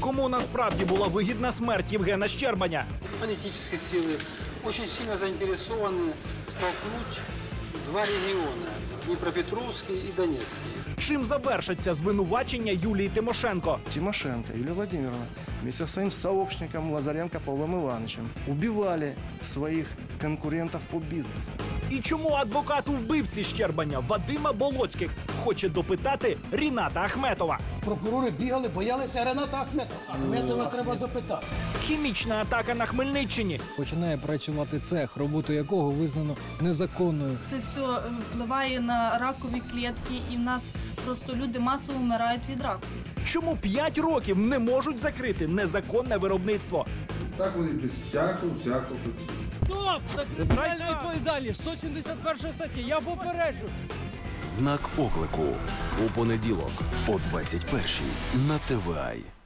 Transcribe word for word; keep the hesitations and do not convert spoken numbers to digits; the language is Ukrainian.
Кому насправді була вигідна смерть Євгена Щербаня? Политические силы очень сильно заинтересованы столкнуть два региона – Днепропетровский и Донецкий. Чим завершаться звинувачення Юлії Тимошенко? Тимошенко Юлия Владимировна вместе со своим сообщником Лазаренко Павлом Ивановичем убивали своих конкурентов по бизнесу. І чому адвокат у вбивці Щербаня Вадима Болоцьких хоче допитати Ріната Ахметова? Прокурори бігали, боялися Рената Ахметова. Ахметова треба допитати. Хімічна атака на Хмельниччині. Починає працювати цех, роботу якого визнано незаконною. Це все впливає на ракові клітки, і в нас просто люди масово вмирають від раку. Чому п'ять років не можуть закрити незаконне виробництво? Так вони без всякого, всякого. Стоп! Так кримінальна відповідальність, сто сімдесят перша стаття, я попереджу. Знак оклику у понеділок о двадцять першій на Т В А.